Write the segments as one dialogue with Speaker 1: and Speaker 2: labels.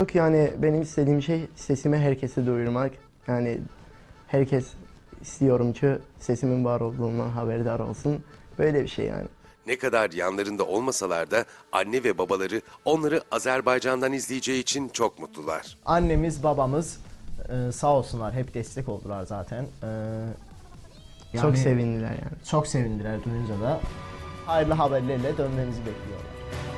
Speaker 1: Yok yani benim istediğim şey sesimi herkese duyurmak. Yani herkes istiyorum ki sesimin var olduğundan haberdar olsun. Böyle bir şey yani.
Speaker 2: Ne kadar yanlarında olmasalar da anne ve babaları onları Azerbaycan'dan izleyeceği için çok mutlular.
Speaker 3: Annemiz, babamız sağ olsunlar, hep destek oldular zaten.
Speaker 1: Çok sevindiler yani.
Speaker 3: Çok sevindiler duyunca da. Hayırlı haberlerle dönmemizi bekliyorlar.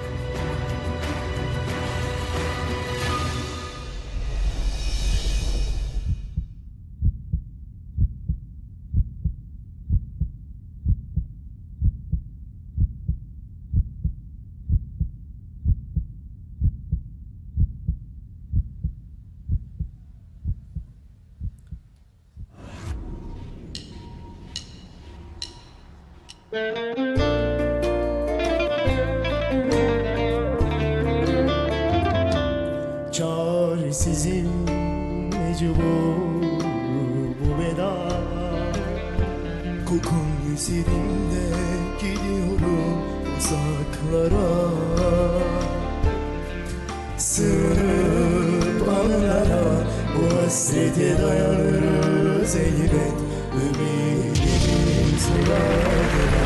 Speaker 4: Çaresizim mecbur bu veda. Kokun üzerimde gidiyorum uzaklara. Sığınıp anılara bu hasrete dayanırız elbet. Ümidimiz var.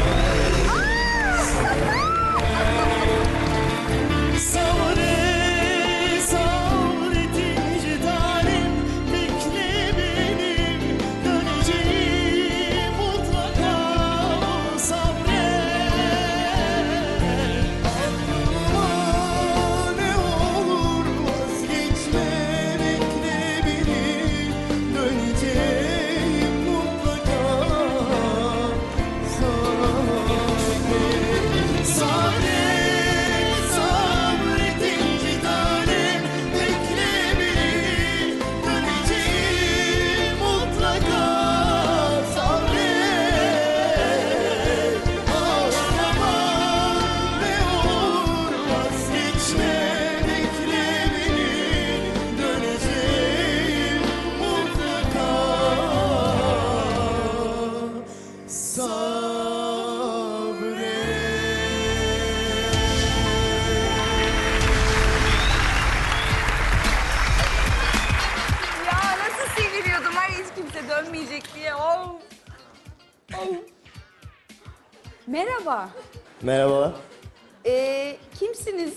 Speaker 5: Ya nasıl seviniyordum var ya hiç kimse dönmeyecek diye. Of. Of. Merhaba.
Speaker 3: Merhaba.
Speaker 5: Kimsiniz?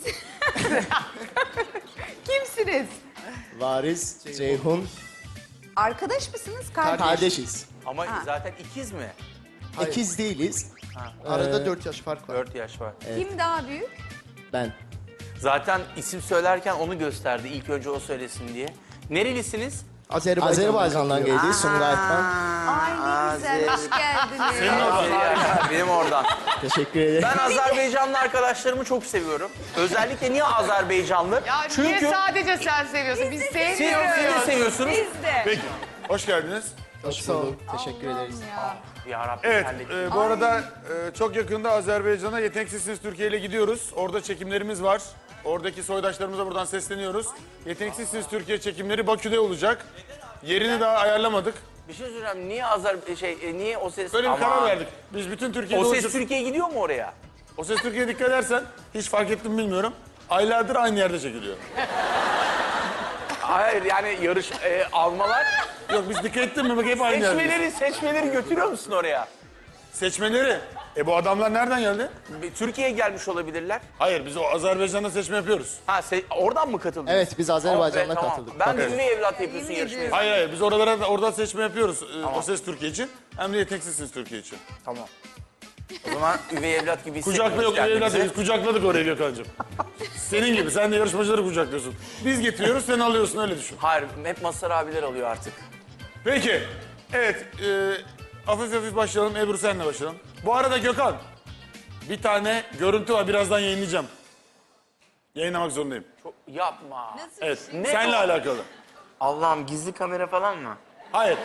Speaker 5: Kimsiniz?
Speaker 3: Varis, Ceyhun,
Speaker 5: Arkadaş mısınız? Kardeş.
Speaker 3: kardeşiz.
Speaker 6: Ama zaten ikiz mi?
Speaker 3: İkiz değiliz.
Speaker 7: Arada 4 yaş fark var.
Speaker 6: 4 yaş var.
Speaker 5: Kim daha büyük?
Speaker 3: Ben.
Speaker 6: Zaten isim söylerken onu gösterdi. İlk önce o söylesin diye. Nerelisiniz?
Speaker 3: Azerbaycan'dan geldik, Sumqayıt'tan.
Speaker 5: Ay ne güzel, hoş geldiniz.
Speaker 6: Benim oradan.
Speaker 3: Teşekkür ederim.
Speaker 6: Ben Azerbaycanlı arkadaşlarımı çok seviyorum. Özellikle niye Azerbaycanlı?
Speaker 8: Ya niye sadece sen seviyorsun? Biz
Speaker 6: Siz
Speaker 8: sevmiyoruz.
Speaker 6: de seviyorsunuz.
Speaker 5: Biz de.
Speaker 9: Peki, hoş geldiniz.
Speaker 3: Hoş bulduk. Teşekkür ederiz.
Speaker 6: Ya Rabbim
Speaker 9: Evet,
Speaker 6: terledim.
Speaker 9: bu arada çok yakında Azerbaycan'a Yeteneksizsiniz Türkiye ile gidiyoruz. Orada çekimlerimiz var. Oradaki soydaşlarımıza buradan sesleniyoruz. Yeteneksizsiniz Türkiye çekimleri Bakü'de olacak. Yerini daha ayarlamadık.
Speaker 6: Bir şey söyleyeceğim. Niye o ses...
Speaker 9: Böyle bir
Speaker 6: Aman.
Speaker 9: karar verdik. Biz bütün Türkiye'de
Speaker 6: O ses
Speaker 9: olacak.
Speaker 6: Türkiye'ye gidiyor mu oraya?
Speaker 9: O Ses Türkiye'ye dikkat edersen, hiç fark ettim mi bilmiyorum. Aylardır aynı yerde çekiliyor.
Speaker 6: Hayır yani almalar.
Speaker 9: Yok biz dikkat ettin mi? Bak hep aynı yerde.
Speaker 6: Seçmeleri götürüyor musun oraya?
Speaker 9: Seçmeleri. Bu adamlar nereden geldi?
Speaker 6: Türkiye'ye gelmiş olabilirler.
Speaker 9: Hayır, biz o Azerbaycan'da seçme yapıyoruz.
Speaker 6: Ha oradan mı katıldınız?
Speaker 3: Evet, biz Azerbaycan'da
Speaker 6: Tamam.
Speaker 3: katıldık.
Speaker 6: Ben de üvey evlat yapıyorsun
Speaker 5: Yemin
Speaker 6: yarışmayı.
Speaker 5: ediyorum.
Speaker 9: Hayır, biz orada seçme yapıyoruz. O Ses Türkiye için. Hem de Yeteneksizsiniz Türkiye için.
Speaker 6: Tamam. O zaman üvey evlat gibi
Speaker 9: Kucakla yok,
Speaker 6: hissetmiyoruz
Speaker 9: evlat
Speaker 6: kendimizi.
Speaker 9: biz kucakladık oraya Gökhan'cığım. Senin gibi, sen de yarışmacıları kucaklıyorsun. Biz getiriyoruz, sen alıyorsun, öyle düşün.
Speaker 6: Hayır, hep Mazhar abiler alıyor artık.
Speaker 9: Peki, evet, hafif hafif başlayalım. Ebru senle başlayalım. Bu arada Gökhan, bir tane görüntü var, birazdan yayınlayacağım. Yayınlamak zorundayım.
Speaker 6: Yapma.
Speaker 9: Evet,
Speaker 6: Ne
Speaker 9: seninle
Speaker 6: o?
Speaker 9: alakalı.
Speaker 6: Allah'ım gizli kamera falan mı?
Speaker 9: Hayır.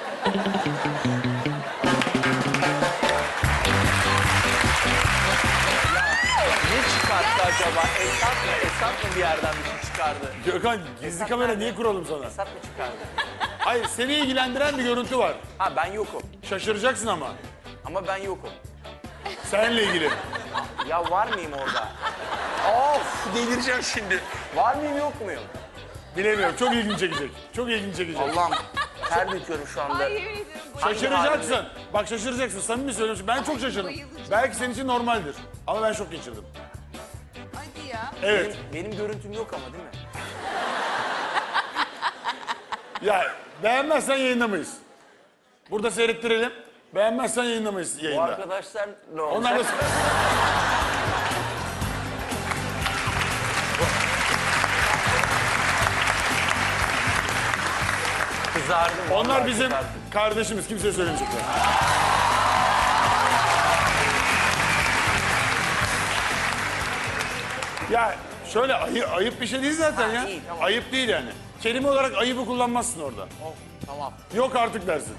Speaker 6: Ne çıkarttı acaba? Esat mı bir yerden bir şey çıkardı?
Speaker 9: Gökhan, gizli kamera niye kuralım sana?
Speaker 6: Esat mı çıkardı?
Speaker 9: Hayır, seni ilgilendiren bir görüntü var.
Speaker 6: Ha ben yokum.
Speaker 9: Şaşıracaksın ama.
Speaker 6: Ama ben yokum.
Speaker 9: Seninle ilgili.
Speaker 6: Ya var mıyım orada? Of delireceğim şimdi. Var mıyım yok muyum?
Speaker 9: Bilemiyorum. Çok ilginç çekecek. Çok ilginç çekecek.
Speaker 6: Allah'ım ter döküyorum şu anda.
Speaker 5: Ay yemin ediyorum.
Speaker 9: Şaşıracaksın. Bak şaşıracaksın. Samimi söylüyorum. Ben çok şaşırdım.
Speaker 5: Bayılacağım.
Speaker 9: Belki senin için normaldir. Ama ben şok geçirdim.
Speaker 5: Hadi ya.
Speaker 9: Evet.
Speaker 6: Benim görüntüm yok ama değil mi?
Speaker 9: Ya beğenmezsen yayınlamayız. Burada seyrettirelim. Beğenmezsen yayınlamayız
Speaker 6: Bu
Speaker 9: yayında.
Speaker 6: arkadaşlar ne olacak?
Speaker 9: Onlar da...
Speaker 6: Kızardım.
Speaker 9: Onlar
Speaker 6: vallahi
Speaker 9: bizim
Speaker 6: kızardım.
Speaker 9: kardeşimiz. Kimseye söylemeyecekler. Ya şöyle ayıp bir şey değil zaten ya.
Speaker 6: iyi, tamam.
Speaker 9: Ayıp değil yani. Kelime olarak ayıbı kullanmazsın orada.
Speaker 6: Oh, tamam.
Speaker 9: Yok artık dersin.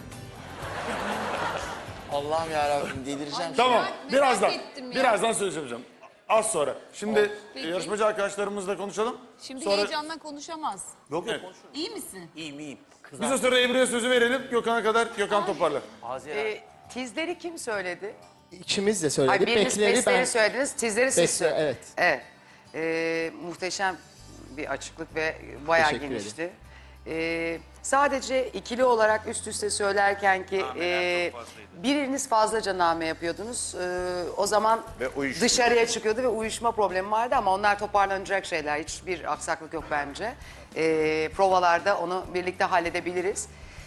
Speaker 6: Allah'ım yarabbim delireceğim.
Speaker 9: Tamam. Birazdan.
Speaker 5: ettim ya.
Speaker 9: Birazdan söyleyeceğim. Az sonra. Şimdi yarışmacı arkadaşlarımızla konuşalım.
Speaker 5: Şimdi
Speaker 9: Sonra
Speaker 5: heyecandan konuşamaz.
Speaker 6: Yok
Speaker 9: Evet.
Speaker 6: konuşurum.
Speaker 5: İyi misin?
Speaker 6: İyiyim.
Speaker 9: biz o sırada Ebru'ya sözü verelim. Gökhan'a kadar Gökhan toparlar.
Speaker 6: Haziran.
Speaker 8: Tizleri kim söyledi?
Speaker 3: İkimiz de
Speaker 8: Ay
Speaker 3: söyledik.
Speaker 8: biriniz
Speaker 3: Bekleri
Speaker 8: besleri
Speaker 3: ben...
Speaker 8: söylediniz, tizleri siz
Speaker 3: Besle,
Speaker 8: söylediniz.
Speaker 3: evet.
Speaker 8: Evet. Muhteşem bir açıklık ve bayağı
Speaker 3: Teşekkür
Speaker 8: genişti. Sadece ikili olarak üst üste söylerken ki biriniz fazlaca name yapıyordunuz. O zaman dışarıya çıkıyordu ve uyuşma problemi vardı ama onlar toparlanacak şeyler. Hiçbir aksaklık yok bence. Provalarda onu birlikte halledebiliriz.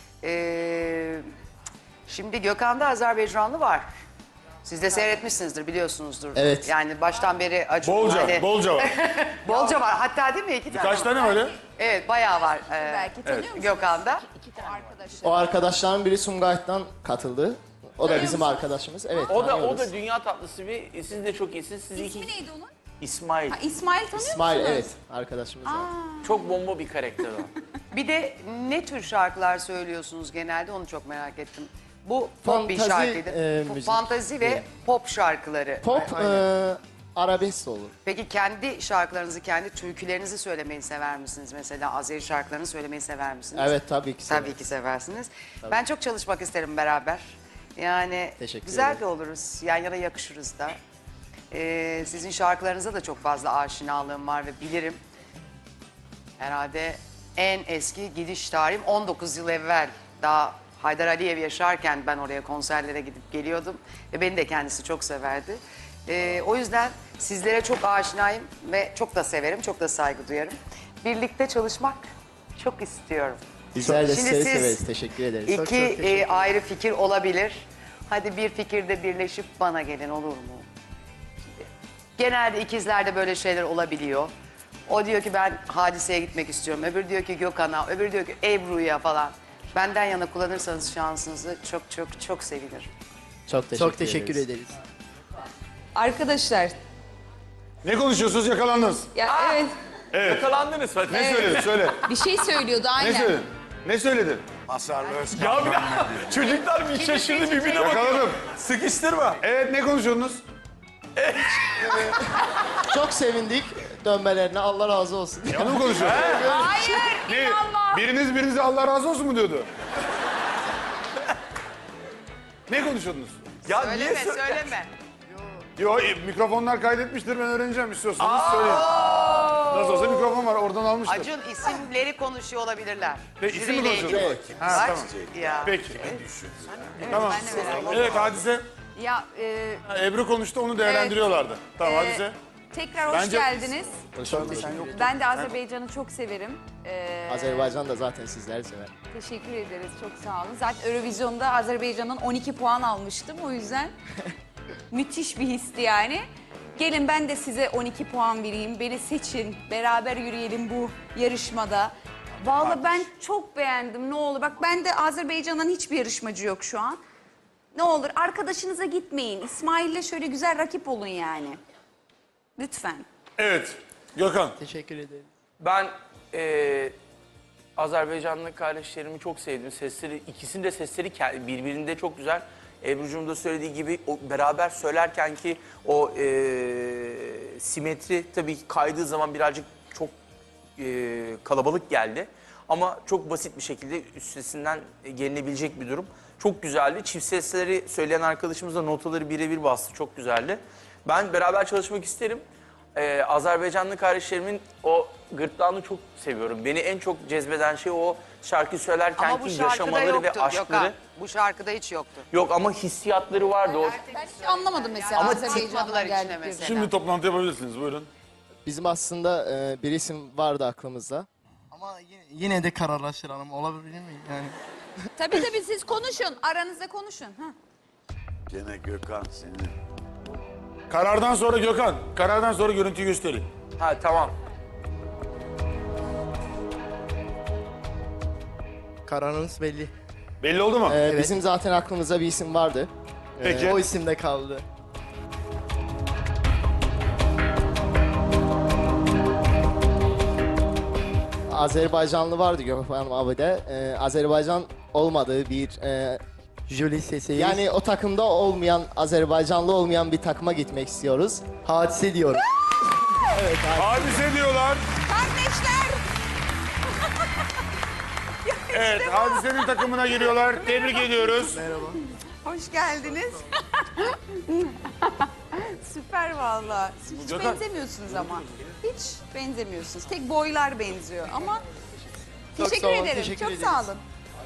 Speaker 8: Şimdi Gökhan'da Azerbaycanlı var. Siz de seyretmişsinizdir, biliyorsunuzdur.
Speaker 3: Evet.
Speaker 8: Yani baştan beri acı.
Speaker 9: Bolca var.
Speaker 8: Bolca var. Hatta değil mi? İki tane.
Speaker 9: Kaç tane öyle?
Speaker 8: Evet, bayağı var.
Speaker 5: Belki tanıyor musun?
Speaker 8: Gökhan'da.
Speaker 5: Arkadaşlar.
Speaker 3: O arkadaşların biri Sumgayit'tan katıldı. O da bizim arkadaşımız. Evet,
Speaker 6: O
Speaker 3: tanıyoruz.
Speaker 6: da dünya tatlısı bir. Siz de çok iyisiniz. Siz
Speaker 5: İsmi
Speaker 6: iki
Speaker 5: neydi onun?
Speaker 6: İsmail.
Speaker 5: Ha, İsmail tanıyor
Speaker 3: İsmail,
Speaker 5: musunuz?
Speaker 3: evet. Arkadaşımız var.
Speaker 6: Çok bomba bir karakter o.
Speaker 8: Bir de ne tür şarkılar söylüyorsunuz genelde, onu çok merak ettim. Bu pop bir
Speaker 3: Fantazi,
Speaker 8: şarkıydı.
Speaker 3: müzik.
Speaker 8: Fantazi ve pop şarkıları.
Speaker 3: Pop, arabesk de olur.
Speaker 8: Peki kendi şarkılarınızı, kendi türkülerinizi söylemeyi sever misiniz? Mesela Azeri şarkılarını söylemeyi sever misiniz?
Speaker 3: Evet, tabii ki.
Speaker 8: Tabii ki seversiniz. Ben çok çalışmak isterim beraber. Yani
Speaker 3: Teşekkür
Speaker 8: güzel
Speaker 3: ederim.
Speaker 8: de oluruz. Yan yana yakışırız da. Sizin şarkılarınıza da çok fazla aşinalığım var ve bilirim. Herhalde en eski gidiş tarihim 19 yıl evvel. Daha Haydar Aliyev yaşarken ben oraya konserlere gidip geliyordum. Ve beni de kendisi çok severdi. O yüzden sizlere çok aşinayım ve çok da severim, çok da saygı duyarım. Birlikte çalışmak çok istiyorum.
Speaker 3: Bizler de
Speaker 8: Şimdi
Speaker 3: sizleri
Speaker 8: siz
Speaker 3: severiz. Teşekkür ederiz.
Speaker 8: İki ayrı fikir olabilir. Hadi bir fikirde birleşip bana gelin, olur mu? Şimdi, genelde ikizlerde böyle şeyler olabiliyor. O diyor ki ben Hadise'ye gitmek istiyorum. Öbürü diyor ki Gökhan'a, öbürü diyor ki Ebru'ya falan. Benden yana kullanırsanız şansınızı çok çok çok sevinirim.
Speaker 3: Çok teşekkür ederiz.
Speaker 5: Arkadaşlar.
Speaker 9: Ne konuşuyorsunuz, yakalandınız?
Speaker 5: Ya evet.
Speaker 6: Yakalandınız hadi.
Speaker 9: Ne söyledin? Söyle.
Speaker 5: Bir şey söylüyordu aynen.
Speaker 9: Ne söyledin? Ne söyledin?
Speaker 6: Ya bir dakika. Çocuklar bir şaşırdı birbirine bakıyor.
Speaker 9: Yakaladım.
Speaker 6: Sıkıştırma.
Speaker 9: Evet, ne konuşuyorsunuz?
Speaker 3: Çok sevindik dönmelerine. Allah razı olsun.
Speaker 9: Onu mu konuşuyorsunuz?
Speaker 5: Hayır,
Speaker 9: Ne?
Speaker 5: inanma.
Speaker 9: Biriniz birinize Allah razı olsun mu diyordu? Ne konuşuyordunuz?
Speaker 6: Ya
Speaker 8: Söyleme, söyleme.
Speaker 9: Yo, mikrofonlar kaydetmiştir, ben öğreneceğim, istiyorsanız söyleyin. Nasıl olsa mikrofon var, oradan almıştır.
Speaker 8: Acun isimleri konuşuyor olabilirler.
Speaker 9: Ve isim mi
Speaker 8: Jüriyle ilgili.
Speaker 9: konuşuyorsunuz?
Speaker 3: Evet.
Speaker 9: Ha,
Speaker 8: Bak,
Speaker 9: tamam.
Speaker 8: ya.
Speaker 9: Peki. Tamam.
Speaker 5: Ben de merak ettim.
Speaker 9: Evet, Hadise.
Speaker 5: Ya
Speaker 9: Ha, Ebru konuştu, onu değerlendiriyorlardı. Tamam, Hadise.
Speaker 5: tekrar hoş
Speaker 9: Bence-
Speaker 5: geldiniz.
Speaker 3: Çok teşekkür ederim.
Speaker 5: Ben de Azerbaycan'ı çok severim.
Speaker 3: Azerbaycan da zaten sizleri sever.
Speaker 5: Teşekkür ederiz, çok sağ olun. Zaten Eurovision'da Azerbaycan'ın 12 puan almıştım. O yüzden müthiş bir histi yani. Gelin ben de size 12 puan vereyim. Beni seçin, beraber yürüyelim bu yarışmada. Vallahi ben çok beğendim, ne olur. Bak ben de Azerbaycan'dan hiçbir yarışmacı yok şu an. Ne olur arkadaşınıza gitmeyin. İsmail'le şöyle güzel rakip olun yani. Lütfen.
Speaker 9: Evet, Gökhan.
Speaker 3: Teşekkür ederim.
Speaker 6: Ben Azerbaycanlı kardeşlerimi çok sevdim. Sesleri, ikisinin de sesleri birbirinde çok güzel. Ebru'cum da söylediği gibi o beraber söylerken ki o simetri tabii ki kaydığı zaman birazcık çok kalabalık geldi. Ama çok basit bir şekilde üstesinden gelinebilecek bir durum. Çok güzeldi. Çift sesleri söyleyen arkadaşımız da notaları birebir bastı. Çok güzeldi. Ben beraber çalışmak isterim. Azerbaycanlı kardeşlerimin o gırtlağını çok seviyorum. Beni en çok cezbeden şey o şarkı söylerken
Speaker 8: Ama bu
Speaker 6: ki
Speaker 8: şarkıda
Speaker 6: yaşamaları ve
Speaker 8: yoktu
Speaker 6: aşkları.
Speaker 8: Gökhan. Bu şarkıda hiç yoktu.
Speaker 6: Yok ama hissiyatları vardı o.
Speaker 5: Ben hiç anlamadım mesela
Speaker 6: Ama
Speaker 8: çıkmadılar
Speaker 5: Azerbaycan'dan
Speaker 8: içine
Speaker 5: geldikleri.
Speaker 8: mesela.
Speaker 9: Şimdi toplantı yapabilirsiniz. Buyurun.
Speaker 3: Bizim aslında bir isim vardı aklımızda.
Speaker 1: Ama yine de kararlaştıralım. Olabilir mi? Yani
Speaker 5: Tabii siz konuşun. Aranızda konuşun. Ha.
Speaker 10: Gene Gökhan senin.
Speaker 9: Karardan sonra Gökhan. Karardan sonra görüntüyü gösterin.
Speaker 6: Ha tamam.
Speaker 1: kararınız belli.
Speaker 9: Belli oldu mu?
Speaker 3: Bizim zaten aklımızda bir isim vardı.
Speaker 9: Peki.
Speaker 1: O isimde kaldı.
Speaker 3: Azerbaycanlı vardı Gökhan abi de. Azerbaycan olmadığı bir
Speaker 1: Julie sesi.
Speaker 3: yani o takımda olmayan, Azerbaycanlı olmayan bir takıma gitmek istiyoruz.
Speaker 1: hadise diyorum.
Speaker 9: Hadise diyorlar.
Speaker 5: Kardeşler!
Speaker 9: Evet, Hadise'nin takımına giriyorlar. Tebrik ediyoruz.
Speaker 5: Hoş geldiniz. Süper valla. Siz hiç
Speaker 9: Gökhan.
Speaker 5: benzemiyorsunuz ama. Hiç benzemiyorsunuz. Tek boylar benziyor ama teşekkür
Speaker 1: sağ olun,
Speaker 5: ederim.
Speaker 1: teşekkür
Speaker 5: Çok
Speaker 1: ederiz.
Speaker 5: sağ olun.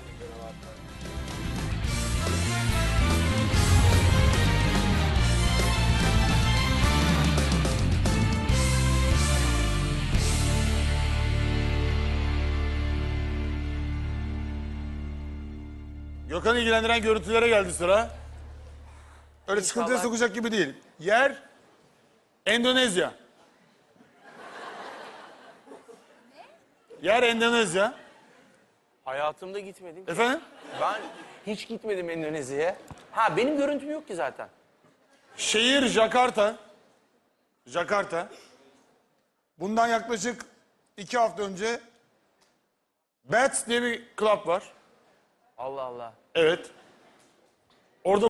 Speaker 9: Gökhan'ı ilgilendiren görüntülere geldi sıra. Öyle sıkıntıya sokacak gibi değil. Yer Endonezya. Yer Endonezya.
Speaker 6: Hayatımda gitmedim. ki.
Speaker 9: Efendim?
Speaker 6: Ben hiç gitmedim Endonezya'ya. Ha benim görüntüm yok ki zaten.
Speaker 9: Şehir Jakarta. Jakarta. Bundan yaklaşık 2 hafta önce Bats diye bir club var.
Speaker 6: Allah Allah.
Speaker 9: Evet. Orada